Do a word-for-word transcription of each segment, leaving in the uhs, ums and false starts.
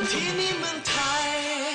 ที่นี่เมืองไทย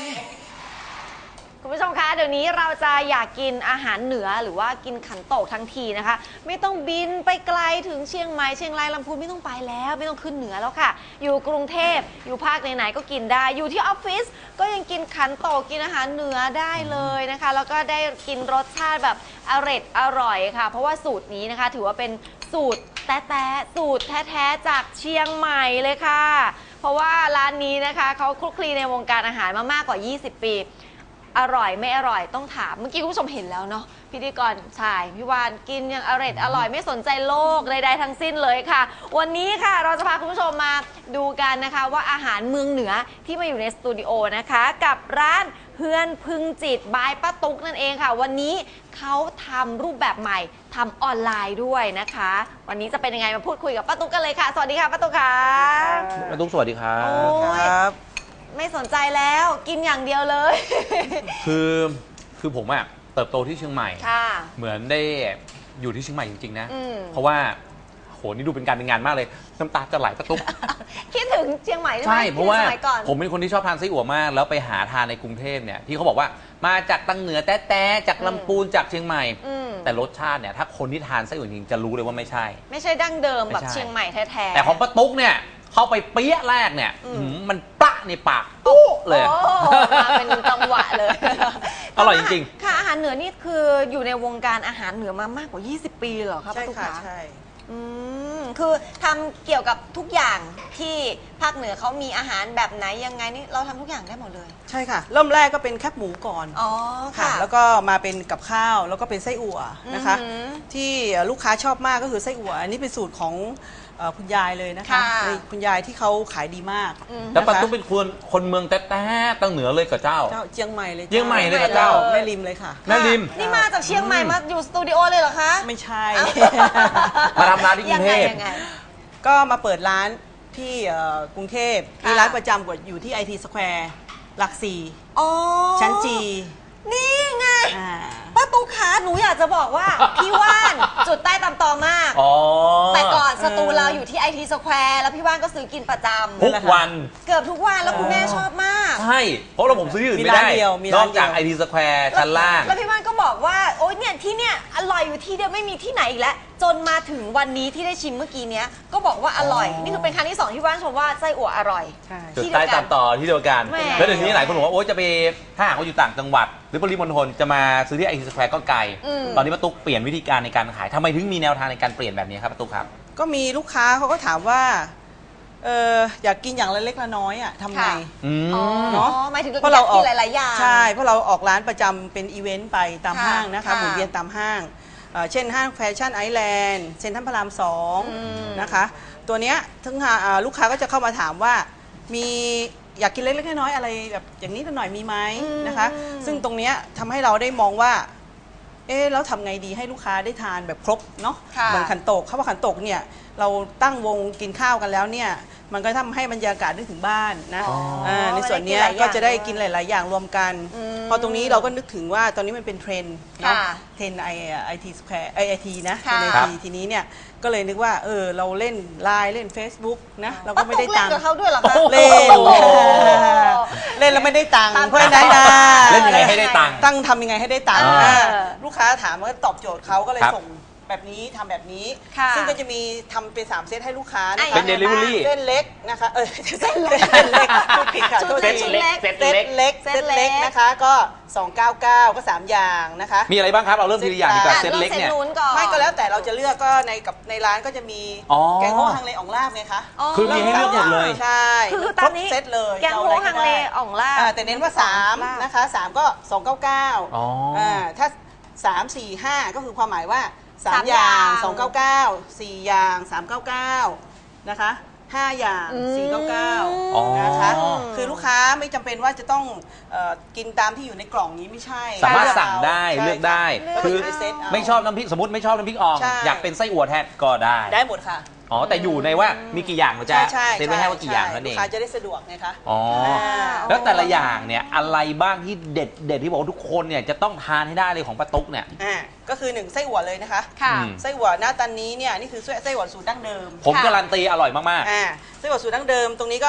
คุณผู้ชมคะเดี๋ยวนี้เราจะอยากกินอาหารเหนือหรือว่ากินขันโตกทั้งทีนะคะไม่ต้องบินไปไกลถึงเชียงใหม่เชียงรายลำพูนไม่ต้องไปแล้วไม่ต้องขึ้นเหนือแล้วค่ะอยู่กรุงเทพอยู่ภาคไหนๆก็กินได้อยู่ที่ออฟฟิศก็ยังกินขันโตกกินอาหารเหนือได้เลยนะคะแล้วก็ได้กินรสชาติแบบอร่อยอร่อยค่ะเพราะว่าสูตรนี้นะคะถือว่าเป็นสูตรแท้ๆสูตรแท้ๆจากเชียงใหม่เลยค่ะเพราะว่าร้านนี้นะคะเขาคลุกคลีในวงการอาหารมามากกว่ายี่สิบปีอร่อยไม่อร่อยต้องถามเมื่อกี้คุณผู้ชมเห็นแล้วเนาะพิธีกรชายพี่วานกินอย่างอร่อยอร่อยไม่สนใจโลกใดๆทั้งสิ้นเลยค่ะวันนี้ค่ะเราจะพาคุณผู้ชมมาดูกันนะคะว่าอาหารเมืองเหนือที่มาอยู่ในสตูดิโอนะคะกับร้านเฮือนพึงจิตบายป้าตุ๊กนั่นเองค่ะวันนี้เขาทำรูปแบบใหม่ทำออนไลน์ด้วยนะคะวันนี้จะเป็นยังไงมาพูดคุยกับป้าตุ๊กกันเลยค่ะสวัสดีค่ะป้าตุ๊กค่ะป้าตุ๊กสวัสดีครับครับไม่สนใจแล้วกินอย่างเดียวเลยคือคือผมอะเติบโตที่เชียงใหม่เหมือนได้อยู่ที่เชียงใหม่จริงๆนะเพราะว่าโหนี่ดูเป็นการเป็นงานมากเลยน้ำตาจะไหลป้าตุ๊กคิดถึงเชียงใหม่ใช่เพราะว่าผมเป็นคนที่ชอบทานไส้อั่วมากแล้วไปหาทานในกรุงเทพเนี่ยที่เขาบอกว่ามาจากตังเหนือแต้ๆจากลำพูนจากเชียงใหม่แต่รสชาติเนี่ยถ้าคนที่ทานไส้อั่วจริงจะรู้เลยว่าไม่ใช่ไม่ใช่ดั้งเดิมแบบเชียงใหม่แท้ๆแต่ของป้าตุ๊กเนี่ยเข้าไปเปี้ยแรกเนี่ยมันปะในปากปุ๊เลยมาเป็นจังหวะเลยอร่อยจริงๆค่ะอาหารเหนือนี่คืออยู่ในวงการอาหารเหนือมามากกว่ายี่สิบปีเหรอครับป้าตุ๊กคะใช่อืมคือทำเกี่ยวกับทุกอย่างที่ภาคเหนือเขามีอาหารแบบไหนยังไงนี่เราทำทุกอย่างได้หมดเลยใช่ค่ะเริ่มแรกก็เป็นแคบหมูก่อนอ๋อค่ะแล้วก็มาเป็นกับข้าวแล้วก็เป็นไส้อั่วนะคะที่ลูกค้าชอบมากก็คือไส้อั่วอันนี้เป็นสูตรของคุณยายเลยนะคะคุณยายที่เขาขายดีมากแล้วป้าตุ๊กเป็นคนคนเมืองแต้ๆตั้งเหนือเลยกับเจ้าเชียงใหม่เลยเชียงใหม่เลยกับเจ้าแม่ริมเลยค่ะแม่ริมนี่มาจากเชียงใหม่มาอยู่สตูดิโอเลยเหรอคะไม่ใช่มาทำร้านที่กรุงเทพก็มาเปิดร้านที่กรุงเทพมีร้านประจำกว่าอยู่ที่ไอทีสแควร์หลักสี่ชั้นจีนี่ไงป้าตุ๊กขาหนูอยากจะบอกว่าพี่ว่านจุดใต้ตำตอมากแต่ก่อนสตูเราอยู่ที่ไอทีสแควร์แล้วพี่ว่านก็ซื้อกินประจำทุกวันเกือบทุกวันแล้วคุณแม่ชอบมากใช่เพราะเราผมซื้ออื่นไม่ได้นอกจากไอทีสแควร์ชั้นล่างแล้วพี่ว่านก็บอกว่าโอ๊ยเนี่ยที่เนี่ยอร่อยอยู่ที่เดียวไม่มีที่ไหนอีกแล้วจนมาถึงวันนี้ที่ได้ชิมเมื่อกี้เนี้ยก็บอกว่าอร่อยนี่คือเป็นครั้งที่สองที่ว่านชมว่าไส้อั่วอร่อยจุดใต้ตำต่อที่เดียวกันแล้วเดี๋ยวนี้หลายคนบอกว่าโอ๊ยจะไปถ้าหากว่าอยู่ต่างจังหวัดหรือปริมณฑลจะมาซื้อที่ไอทีสแควร์ก็ไกลตอนนี้ป้าตุ๊กเปลี่ยนวิธีการในการขายทำไมถึงมีแนวทางในการเปลี่ยนแบบนี้ครับป้าตุ๊กครับก็มีลูกค้าเขาก็ถามว่าเอออยากกินอย่างละเล็กละน้อยอ่ะทำไงเนาะหมายถึงเพราะเราออกหลายๆอย่างใช่เพราะเราออกร้านประจำเป็นอีเวนต์ไปตามห้างนะคะหมุนเวียนตามห้างเช่นห้างแฟชั่นไอแลนด์เซ็นทรัลพระรามสองนะคะตัวเนี้ยทั้งลูกค้าก็จะเข้ามาถามว่ามีอยากกินเล็กๆน้อยๆอะไรแบบอย่างนี้หน่อยมีไหมนะคะซึ่งตรงเนี้ยทำให้เราได้มองว่าเอ๊ะแล้วทำไงดีให้ลูกค้าได้ทานแบบครบเนาะเหมือนขันโตกข้าวขันโตกเนี่ยเราตั้งวงกินข้าวกันแล้วเนี่ยมันก็ทำให้บรรยากาศนึกถึงบ้านนะในส่วนนี้ก็จะได้กินหลายๆอย่างรวมกันพอตรงนี้เราก็นึกถึงว่าตอนนี้มันเป็นเทรนด์เนาะเทรนด์ไอไอทีสแควร์ไอไอทีนะเป็นไอทีทีนี้เนี่ยก็เลยนึกว่าเออเราเล่นไลน์เล่น Facebook นะเราก็ไม่ได้ตังค์เล่นกับเขาด้วยหรอคะเล่นเล่นแล้วไม่ได้ตังค์เพราะฉะนั้นเล่นยังไงให้ได้ตังค์ตั้งทำยังไงให้ได้ตังค์ลูกค้าถามว่าตอบโจทย์เขาก็เลยส่งแบบนี้ทำแบบนี้ซึ่งก็จะมีทำเป็นสามเซตให้ลูกค้านะคะเป็นเดลิเวอรี่เส้นเล็กนะคะเออเส้นเล็กเส้นเล็กพูดผิดค่ะเส้นเล็กเส้นเล็กเส้นเล็กนะคะก็สองร้อยเก้าสิบเก้าก็สามอย่างนะคะมีอะไรบ้างครับเอาเริ่มทีละอย่างดีกว่าเส้นเล็กเนี่ยไม่ก็แล้วแต่เราจะเลือกก็ในกับในร้านก็จะมีแกงโฮฮังเลอ่องลาบไงคะคือมีให้เลือกหมดเลยใช่คือตอนนี้เซตเลยแกงโฮฮังเลอ่องลาบแต่เน้นว่าสามนะคะสามก็สองร้อยเก้าสิบเก้าถ้าสาม สี่ ห้าก็คือความหมายว่าสามอย่างสองร้อยเก้าสิบเก้า สี่อย่างสามร้อยเก้าสิบเก้านะคะห้าอย่างสี่ร้อยเก้าสิบเก้านะคะคือลูกค้าไม่จำเป็นว่าจะต้องกินตามที่อยู่ในกล่องนี้ไม่ใช่สามารถสั่งได้เลือกได้คือไม่ชอบน้ำพริกสมมติไม่ชอบน้ำพริกอ่องอยากเป็นไส้อั่วแทนก็ได้ได้หมดค่ะอ๋อแต่อยู่ในว่ามีกี่อย่างมันจะเซ็นไว้ให้ว่ากี่อย่างนั่นเองลูกค้าจะได้สะดวกไงคะอ๋อแล้วแต่ละอย่างเนี่ยอะไรบ้างที่เด็ดเด็ดที่บอกทุกคนเนี่ยจะต้องทานให้ได้เลยของป้าตุ๊กเนี่ยอ่าก็คือหนึ่งไส้อั่วเลยนะคะไส้อั่วหน้าตานี้เนี่ยนี่คือไส้อั่วสูตรดั้งเดิมผมการันตีอร่อยมากๆอ่าไส้อั่วสูตรดั้งเดิมตรงนี้ก็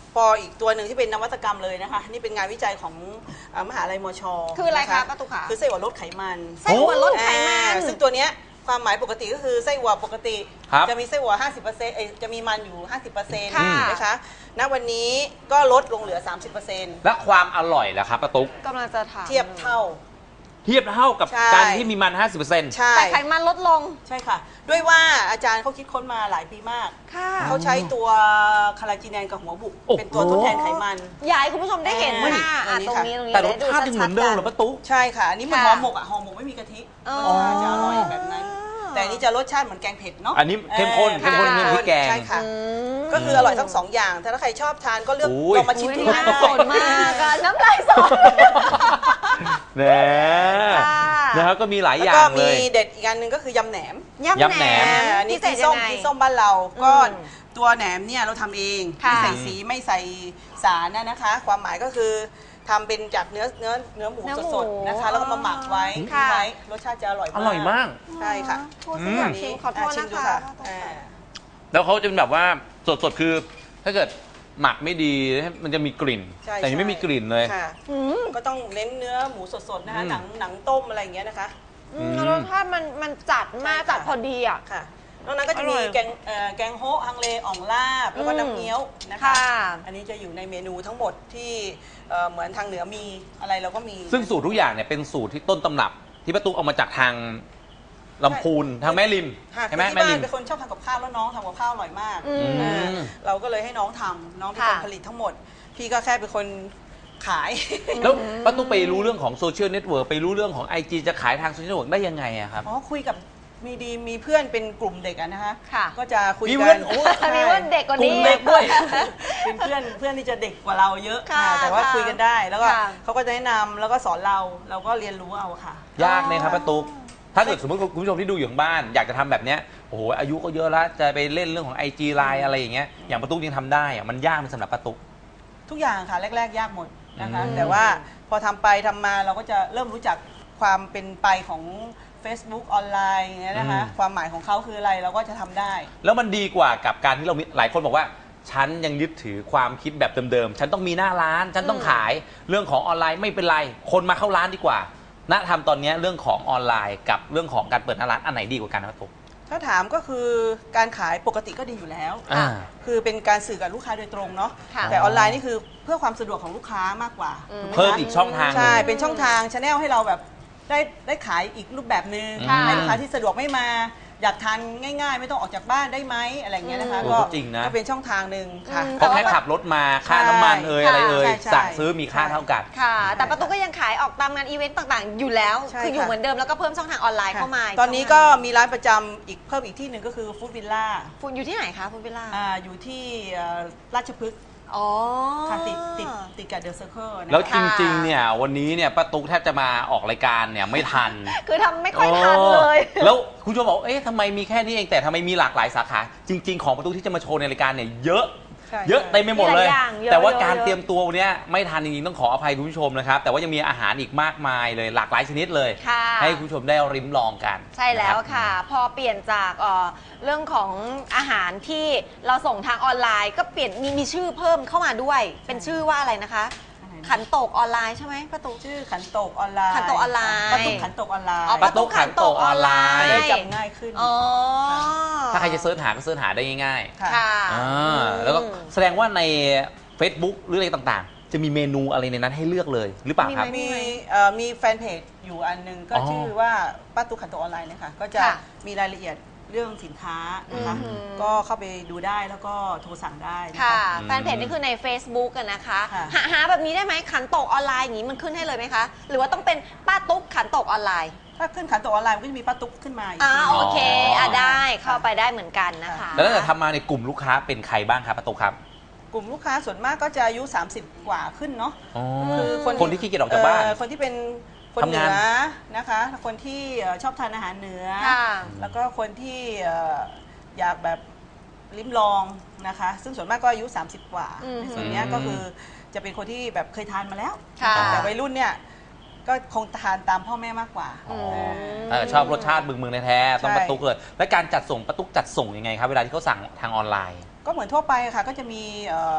พออีกตัวหนึ่งที่เป็นนวัตกรรมเลยนะคะนี่เป็นงานวิจัยของอ่ามหาลัยมชคืออะไรคะนป้าตุ๊กขาคือไส้อั่วลดไขมันไส้อั่วลดไขมันอ่าซึ่งตัวเนี้ยความหมายปกติก็คือไส้อั่วปกติครับจะมีไส้อั่วห้าสิบเปอร์เซ็นต์เอ้ยจะมีมันอยู่ ห้าสิบเปอร์เซ็นต์ค่ะนะคะณวันนี้ก็ลดลงเหลือ สามสิบเปอร์เซ็นต์และความอร่อยล่ะครับป้าตุ๊กกำลังจะถามเทียบเท่าเทียบเท่ากับใช่การที่มีมัน ห้าสิบเปอร์เซ็นต์ใช่แต่ไขมันลดลงใช่ค่ะ ด้วยว่าอาจารย์เขาคิดค้นมาหลายปีมากค่ะเขาใช้ตัวคาราจีแนนกับหัวบุกโอ้โหเป็นตัวทดแทนไขมันอยากให้คุณผู้ชมได้เห็นเฮ้ยค่ะอ่ะอันนี้ตรงค่ะนี้ตรงนี้แต่รสได้ดูชาติยังเหมือนเดิมเหรอป้าตุ๊กใช่ค่ะอันนี้เหมันค่ะห่อหมกอ่ะห่อหมกไม่มีกะทิอ๋อรสชาติจะอร่อยแบบนั้น แต่อันนี้จะรสชาติเหมือนแกงเผ็ดเนาะอันนี้เข้มข้นออเข้มข้นค่ะเข้มพริกแกงใช่ค่ะอืมก็คืออร่อยทั้งสองอย่างถ้าใครชอบทานก็เลือกโอ้ยลองมาชิมอุ๊ยดูน่าได้สนมากอะน้ำลายสดแหมค่ะนะครับก็มีหลายอแล้วย่าก็งเลมียเด็ดอีกอันหนึ่งก็คือยำแหนมยำยำแหแหนนมอ่าอันนี้พิเศษที่ส้มยังไงที่ส้มบ้านเราก็อืมตัวแหนมเนี่ยเราทำเองค่ะไม่ใส่สีไม่ใส่สารนะนะคะ ความหมายก็คือทำเป็นจากเนื้อเนื้อเนื้อหมูเนื้อหมูสดๆนะคะ แล้วก็มาหมักไว้ค่ะทิ้งไว้รสชาติจะอร่อยอมากร่อยมากใช่ค่ะพูดสิอยากชิมขอโทษชินะมดูคะอ่าแล้วเขาจะเป็นแบบว่าสดๆ คือถ้าเกิดหมักไม่ดีมันจะมีกลิ่นใช่แต่อันนี้ไม่มีกลิ่นเลยค่ะอืมก็ต้องเน้นเนื้อหมูสดๆนะคะอืมหนังหนังต้มอะไรอย่างเงี้ยนะคะอืมรสชาติมันมันจัดมากใช่ค่ะจัดพอดีอ่ะค่ะนอกนั้นก็จะมีอร่อยแกงเอ่อแกงโฮะฮังเลอ่องลาบ แล้วก็อืมน้ำเงี้ยวนะคะค่ะอันนี้จะอยู่ในเมนูทั้งหมดที่เอ่อเหมือนทางเหนือมีอะไรเราก็มีซึ่งสูตรทุกอย่างเนี่ยเป็นสูตรที่ต้นตำรับ ที่ป้าตุ๊กเอามาจากทางลำพูนทางแม่ริมค่ะใช่ไหมคือที่แม่บ้ารินมเป็นคนชอบทำกับข้าวแล้วน้องทำกับข้าวอร่อยมากอืมเออมเราก็เลยให้น้องทำน้องเป็นคนค่ะผลิตทั้งหมด พี่ก็แค่เป็นคนขายแล้วป้าตุ๊กไปรู้เรื่องของโซเชียลเน็ตเวิร์กไปรู้เรื่องของ ไอ จี จะขายทางโซเชียลเน็ตเวิร์กได้ยังไงอะครับอ๋อคุยกับมีดีมีเพื่อนเป็นกลุ่มเด็กอะนะคะค่ะก็จะคุยมีกัเพื่อน นโอ้ใช่มีว่าเด็กกว่ากลุ่นี้มเด็กด้วยเป็นเพื่อนเพื่อนที่จะเด็กกว่าเราเยอะค่ะอ่าแต่ว่าค่ะคุยกันได้แล้วก็ค่ะเขาก็จะแนะนำแล้วก็สอนเราเราก็เรียนรู้เอาค่ะยากไหมครับป้าตุ๊กถ้าเกิดสมมติคุณผู้ชมที่ดูอยู่ทางบ้าน อยากจะทำแบบเนี้ยโอ้โหอายุก็เยอะแล้วจะไปเล่นเรื่องของ ไอ จี ไลน์ อะไรอย่างเงี้ยอย่างป้าตุ๊กยังทำได้อะมันยากไหมสำหรับป้าตุ๊กทุกอย่างค่ะแรก ๆ ยากหมดนะคะอืมแต่ว่าพอทำไปทำมาเราก็จะเริ่มรู้จักความเป็นไปของ Facebook ออนไลน์อย่างเงี้ยนะคะความหมายของเขาคืออะไรเราก็จะทำได้แล้วมันดีกว่ากับการที่เรามีหลายคนบอกว่า ฉันยังยึดถือความคิดแบบเดิมๆ ฉันต้องมีหน้าร้าน ฉันต้องขายเรื่องของออนไลน์ไม่เป็นไร คนมาเข้าร้านดีกว่าณทำตอนนี้เรื่องของออนไลน์กับเรื่องของการเปิดหน้าร้านอันไหนดีกว่ากันครับผมถ้าถามก็คือการขายปกติก็ดีอยู่แล้วอ่าคือเป็นการสื่อกับลูกค้าโดยตรงเนาะค่ะแต่ออนไลน์นี่คือเพื่อความสะดวกของลูกค้ามากกว่าอืมถูกไหคะเพิ่มอีกช่องทางหนึ่งใช่ เป็นช่องทางชาแนลให้เราแบบได้ได้ขายอีกรูปแบบหนึ่งค่ะให้ลูกค้าที่สะดวกไม่มา อยากทานง่าย ๆ ไม่ต้องออกจากบ้านได้ไหมอะไรอย่างเงี้ยนะคะอืมก็ก็จริงนะก็เป็นช่องทางหนึ่งค่ะอืมเพราะแค่ขับรถมาค่าน้ำมันเอ่ยใช่อะไรเอ่ยใช่ใช่สั่งซื้อมีค่าเท่ากันค่ะ แต่ป้าตุ๊กก็ยังขายออกตามงานอีเวนต์ต่างๆ อยู่แล้วใช่คืออยู่ค่ะเหมือนเดิมแล้วก็เพิ่มช่องทางออนไลน์เข้ามาตอนนี้ก็มีร้านประจำอีกเพิ่มอีกที่หนึ่งก็คือฟู้ดวิลล่าคุณอยู่ที่ไหนคะคุณเบลล่าอ่าอยู่ที่เอ่อราชพฤกษ์อ๋อค่ะติดติดติดกับเดอะเซอร์เคิลแล้วนะคะจริงๆเนี่ยวันนี้เนี่ยป้าตุ๊กแทบจะมาออกรายการเนี่ยไม่ทันคือทำไม่ค่อยทันเลยออแล้วคุณผู้ชมบอกเอ๊ะทำไมมีแค่นี้เองแต่ทำไมมีหลากหลายสาขา จริง ๆ ของป้าตุ๊กที่จะมาโชว์ในรายการเนี่ยเยอะใช่เยอะเต็มไปหมดเลยมีหลายอย่างเยอะแต่ว่าเยอะการเยอะเตรียมตัววันเนี้ยไม่ทันจริงๆต้องขออภัยคุณผู้ชมนะครับ แต่ว่ายังมีอาหารอีกมากมายเลยหลากหลายชนิดเลยค่ะให้คุณผู้ชมได้ริมลองกันใช่แล้วนรับค่ะ พอเปลี่ยนจากเอ่อเรื่องของอาหารที่เราส่งทางออนไลน์ ก็เปลี่ยนมีมีชื่อเพิ่มเข้ามาด้วย เป็นชื่อว่าอะไรนะคะอะไรนะขันโตกออนไลน์ใช่ไหมป้าตุ๊กชื่อขันโตกออนไลน์ขันโตกออนไลน์ป้าตุ๊กขันโตกออนไลน์อ๋อป้าตุ๊กขันโตกออนไลน์ได้จำง่ายขึ้นอ๋อถ้าใครจะเสิร์ชหาก็เสิร์ชหาได้ง่ายค่ะค่ะๆอ่าแล้วก็แสดงว่าใน Facebook หรืออะไรต่างๆ จะมีเมนูอะไรในนั้นให้เลือกเลยหรือเปล่าครับมีมีไหเอ่อมีแฟนเพจอยู่อันหนึงก็อ๋อชื่อว่าป้าตุ๊กขันโตกออนไลน์เนะคะก็จะค่ะมีรายละเอียดเรื่องสินค้านะคะอือหือก็เข้าไปดูได้แล้วก็โทรสั่งได้นะค่ะคะอืมแฟนเพจนี่คือใน Facebook กันนะคะค่ะหาหาแบบนี้ได้ไหมขันโตกออนไลน์อย่างนี้มันขึ้นให้เลยไหมคะ หรือว่าต้องเป็นป้าตุ๊กขันโตกออนไลน์ถ้าขึ้นขันโตกออนไลน์มันก็จะมีป้าตุ๊กขึ้นมาอีกอ่าทีโอเคอ๋ออ่อ่ะได้เข้าไปได้เหมือนกันนะคะแล้วตั้งแต่ทำมาในกลุ่มลูกค้าเป็นใครบ้างครับป้าตุ๊กครับกลุ่มลูกค้าส่วนมากก็จะอายุ สามสิบ กว่าขึ้นเนาะอ๋อคือคนคนที่ขี้เกียจออกจากบ้านเคนที่เป็นคนทำเหนืงานอนะคะ คนที่เอ่อชอบทานอาหารเหนือค่ะแล้วก็คนที่เอ่ออยากแบบลิ้มลองนะคะ ซึ่งส่วนมากก็อายุ สามสิบ กว่าอืมในส่วนเนี้ยก็คือจะเป็นคนที่แบบเคยทานมาแล้วค่ะแต่วัยรุ่นเนี่ยก็คงทานตามพ่อแม่มากกว่าอ๋อมเออชอบรสชาติบึงเมืองแท้ๆต้องใช่ป้าตุ๊กเลย และการจัดส่งป้าตุ๊กจัดส่งยังไงครับ เวลาที่เขาสั่งทางออนไลน์ก็เหมือนทั่วไปค่ะก็จะมีเอ่อ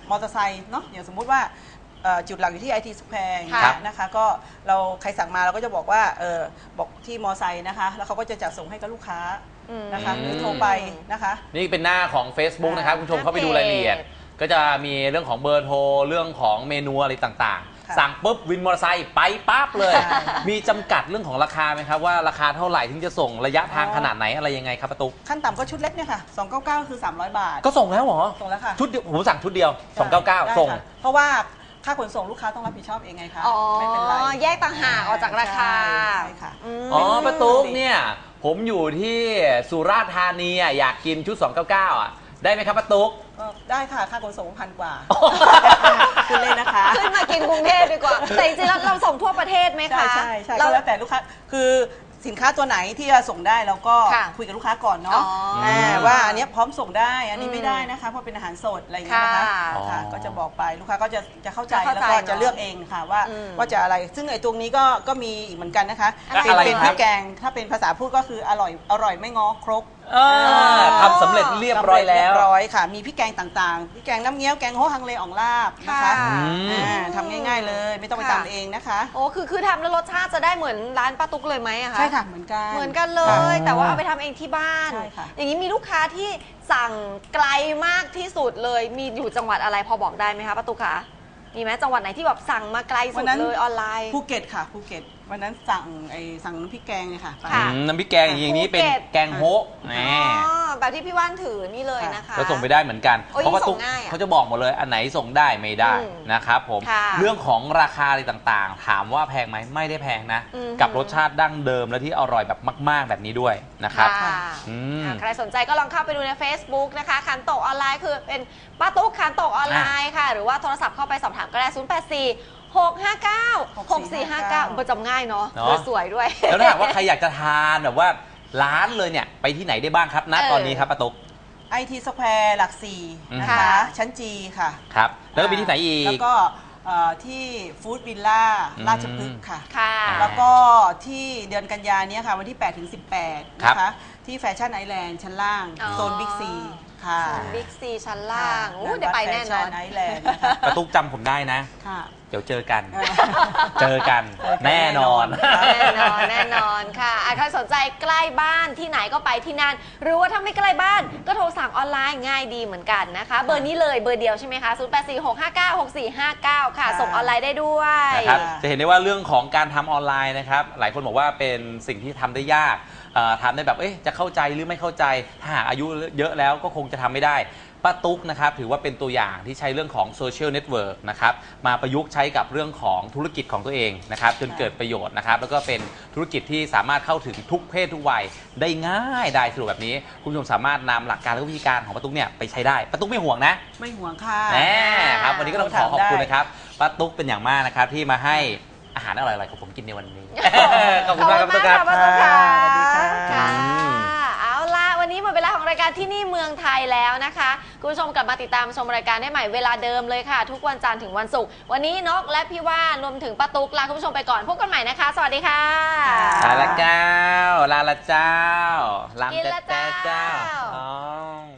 มอเตอร์ไซค์เนาะอย่างสมมุติว่าเอ่อจุดหลักอยู่ที่ ไอ ที Square อย่างครัเงี้บยนะคะก็เราใครสั่งมาเราก็จะบอกว่าเออบอกที่มอไซค์นะคะแล้วเขาก็จะจัดส่งให้กับลูกค้านะคะหรือโทรไปนะคะนี่เป็นหน้าของ Facebook นะครับคุณผู้ชมเข้าไปดูรายละเอียด ก็จะมีเรื่องของเบอร์โทรเรื่องของเมนูอะไรต่างๆ สั่งปุ๊บวินมอเตอร์ไซค์ไปปั๊บเลย มีจำกัดเรื่องของราคาไหมครับว่าราคาเท่าไหร่ถึงจะส่งระยะทางขนาดไหนอะไรยังไงครับป้าตุ๊กขั้นต่ำก็ชุดเล็กเนี่ยค่ะสองร้อยเก้าสิบเก้าคือสามร้อยบาทก็ส่งแล้วเหรอส่งแล้วค่ะชุดเดียวผมสั่งชุดเดียวสองร้อยเก้าสิบเก้าได้ส่งค่ะเพราะว่าค่าขนส่งลูกค้าต้องรับผิดชอบเองไงคะอ๋อไม่เป็นไรแยกต่างหากออกจากราคาใช่ค่ะมอ๋อป้าตุ๊กเนี่ยผมอยู่ที่สุราษฎร์ธานีอ่ะอยากกินชุดสองร้อยเก้าสิบเก้าอ่ะได้ไหมครับป้าตุ๊กก็ได้ค่ะค่าขนส่งพันกว่าคุณเล่นนะคะขึ้นมากินกรุงเทพดีกว่า แต่จริงๆแล้วเราส่งทั่วประเทศไหมใช่คะใช่ใช่เราก็แล้วแต่ลูกค้าคือสินค้าตัวไหนที่จะส่งได้เราก็ค่ะคุยกับลูกค้าก่อนอ๋เนาะอาว่าอันเนี้ยพร้อมส่งได้อันนี้อืมไม่ได้นะคะเพราะเป็นอาหารสดอะไรอย่างเงี้ยนะคะค่ะค่ะอ๋อก็จะบอกไปลูกค้าก็จะจะเข้าใจจะเข้าแล้วใจก็เนอะจะเลือกเองค่ะว่าอืมว่าจะอะไรซึ่งไอ้ตรงนี้ก็ก็มีอีกเหมือนกันนะคะอะไรเป็นอะไรเป็นคพรัริบกแกงถ้าเป็นภาษาพูดก็คืออร่อยอร่อยไม่ง้อครกเออทำสำเร็จเรียบร้อยแล้วเรียบร้อยค่ะ มีพริกแกงต่างๆพริกแกงน้ำเงี้ยวแกงโฮฮังเลอ่องลาบนะคะค่ะอ่าทำง่ายๆเลย ไม่ต้องไปค่ะตำเองนะคะโอ้คือคือทำแล้วรสชาติจะได้เหมือนร้านป้าตุ๊กเลยไหมอะคะใช่ค่ะเหมือนกันเหมือนกันเลย แต่ว่าเอาไปทำเองที่บ้านใช่ค่ะอย่างนี้มีลูกค้าที่สั่งไกลมากที่สุดเลย มีอยู่จังหวัดอะไรพอบอกได้ไหมคะป้าตุ๊กคะมีไหมจังหวัดไหนที่แบบสั่งมาไกลสุดเลยออนไลน์ภูเก็ตค่ะภูเก็ตวันนั้นสั่งไอ้สั่งน้ำพริกแกงเนี่ยค่ะไปค่ะอืมน้ำพริกแกงอย่างนี้เป็นภูเก็ตแกงโฮะแหมอ๋อแบบที่พี่ว่านถือนี่เลยนะคะก็ส่งไปได้เหมือนกันโอ้ยเพราะว่าส่ตุ๊งกง่ายอะเขาจะบอกหมดเลยอันไหนส่งได้ไม่ได้อืมนะครับผมค่ะเรื่องของราคาอะไรต่างๆ ถามว่าแพงไหมไม่ได้แพงนะอืมกับรสชาติดั้งเดิมและที่อร่อยแบบมาก ๆ แบบนี้ด้วยนะครับค่ะอืมอ่ะใครสนใจก็ลองเข้าไปดูใน Facebook นะคะคันโตกออนไลน์คือเป็นป้าตุ๊กคันโตกออนไลน์ค่ะ หรือว่าโทรศัพท์เข้าไปสอบถามก็ได้ ศูนย์ แปด สี่ หก ห้า เก้า หก สี่ ห้า เก้า ประจำง่ายเนาะเนอะสวยด้วยแล้วถ้าหากว่าใครอยากจะทานแบบว่าร้านเลยเนี่ยไปที่ไหนได้บ้างครับณเออตอนนี้ครับป้าตุ๊กไอทีสแควร์หลักสี่นะค่ะคะ ชั้นจีค่ะครับแล้วก็มีที่ไหนอีกแล้วก็เอ่อที่ฟู้ดวิลล่าอืมราชพฤกษ์ค่ะค่ะแล้วก็ที่เดือนกันยาเนี้ยค่ะวันที่แปดถึงสิบแปดครับนะคะที่แฟชั่นไอแลนด์ชั้นล่างอ๋อโซนบิ๊กซีค่ะบิ๊กซีชั้นล่างโอ้เดี๋ยวไปแน่นอนไอแลนด์นะคะป้าตุ๊กจำผมได้นะค่ะเดี๋ยวเจอกันเออเจอกันเจอกันแน่นอนแน่นอนแน่นอนค่ะอ่ะใครสนใจใกล้บ้านที่ไหนก็ไปที่นั่น หรือว่าถ้าไม่ใกล้บ้านก็โทรสั่งออนไลน์ง่ายดีเหมือนกันนะคะ เบอร์นี้เลยเบอร์เดียวใช่ไหมคะ ศูนย์ แปด สี่ หก ห้า เก้า หก สี่ ห้า เก้า ค่ะ ส่งออนไลน์ได้ด้วยนะครับจะเห็นได้ว่าเรื่องของการทำออนไลน์นะครับหลายคนบอกว่าเป็นสิ่งที่ทำได้ยากเอ่อทำได้แบบเอ๊ะจะเข้าใจหรือไม่เข้าใจถ้าหากอายุเยอะแล้วก็คงจะทำไม่ได้ป้าตุ๊กนะครับถือว่าเป็นตัวอย่างที่ใช้เรื่องของโซเชียลเน็ตเวิร์กนะครับมาประยุกต์ใช้กับเรื่องของธุรกิจของตัวเองนะครับจนเกิดประโยชน์นะครับแล้วก็เป็นธุรกิจที่สามารถเข้าถึงทุกเพศทุกวัยได้ง่ายได้สะดวกแบบนี้คุณผู้ชมสามารถนำหลักการและวิธีการของป้าตุ๊กเนี่ยไปใช้ได้ป้าตุ๊กไม่ห่วงนะไม่ห่วงค่ะแน่ครับวันนี้ก็ต้องขอขอบคุณได้นะครับป้าตุ๊กเป็นอย่างมากนะครับที่มาให้อาหารอร่อยๆของผมกินในวันนี้ ขอบคุณมากครับป้าตุ๊กครับขอบคุณมากค่ะสวัสดีค่ะค่ะอืมเอาล่ะวันนี้หมดเวลาของรายการที่นี่เมืองไทยแล้วนะคะคุณผู้ชมกลับมาติดตามชมรายการได้ใหม่เวลาเดิมเลยค่ะ ทุกวันจันทร์ถึงวันศุกร์วันนี้นกและพี่ว่านรวมถึงป้าตุ๊กลาคุณผู้ชมไปก่อนพบกันใหม่นะคะ สวัสดีค่ะลาละเจ้า ลาละเจ้าลามกินละแต่เจ้าเจ้าอ๋อ